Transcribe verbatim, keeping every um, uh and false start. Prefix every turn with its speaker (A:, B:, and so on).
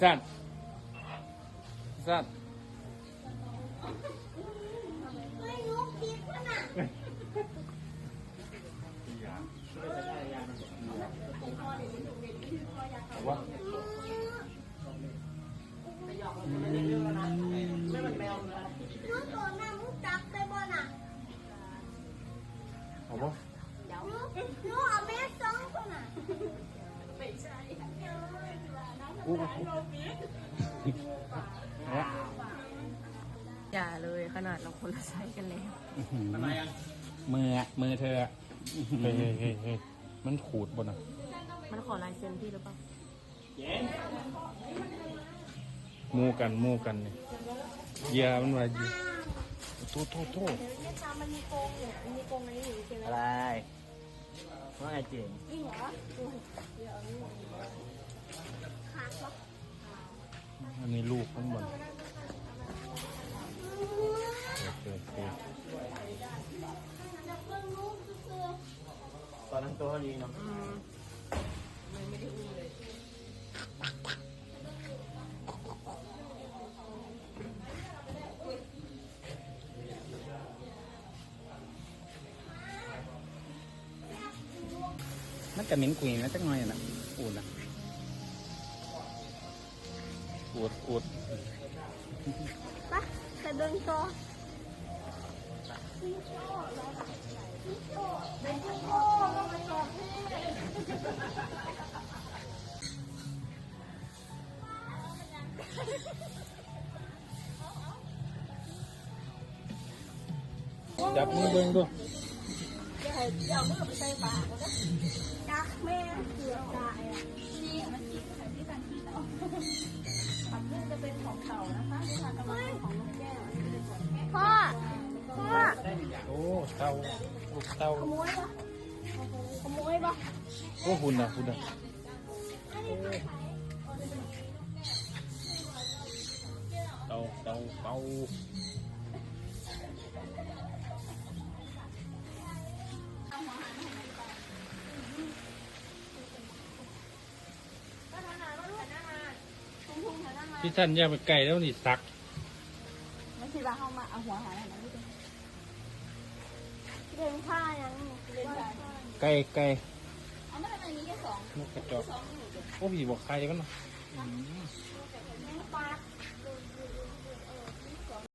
A: สั้นสั้น
B: ไม่รู้คิดว่าน่ะ
A: ว่า
B: รู้ตัวน่ะรู้จักได้บ่น่ะ
A: เอาปะ
B: รู้รู้เอาแม่สองคนน่ะไม่ใช่
A: อู้
C: อย่าเลยขนาดเราคนละไซส์กันแล้ว
A: มืออะมือเธอเฮ้ยเฮ้ยเฮ้ยเฮ้ยมันขูดบนอ่ะ
C: มันขอลายเซ็นพี่หรือเปล่า
A: มูกันมูกันเนี่ยเยียมันว่าโทษโทษโทษ
B: เนี่ยตามันมีโกงเนี่ยมันมีโกงอันนี้อยู่ใช่ไหม
D: อะไรว่าไงเจ๋ง
B: จริงเหรอขาดเหรอ
A: อันนี้ลูกข้างบนโอเคโอเค
B: จะเพิ่งรู้คือ
D: ตอนนั้นตัวเท่านี้เนาะ
C: อืมมันไม่ได้อุ้มเลย
A: มันจะเหม็นกุยนะจักหน่อยนะอูดนะอูดอูด
B: ปะแต่เดินต่อพี่โจ้แล้วพี่โจ้เป็นพี่โจ้แล้วมาสอบพี่
A: จับมือเบิ้งดู
B: ดักแม่เสือตายอ่ะนี่มันกินแต่ที่การที่ต่อผักบุ้งจะเป็นของเต่านะคะที่ทานกำลังของลูกแก้วพ่อพ่อ
A: โอ้เตาลูกเตา
B: ขโมยปะขโมยปะ
A: โอ้หุ่นอ่ะหุ่นอ่ะเตาเตาเตาพี่ท่านย่าไปไก่แล้วนี่ซัก
B: ไม่ใช่ว่าเข้ามาเอาหัวหายอะไรไม่ได้เดินผ้ายังเดินผ้า
A: ไก่ไก่
B: เอามาทำไมนี้แค่สอง
A: นกกระจอกโอ้พี่บอกใครกันเนาะ
B: เ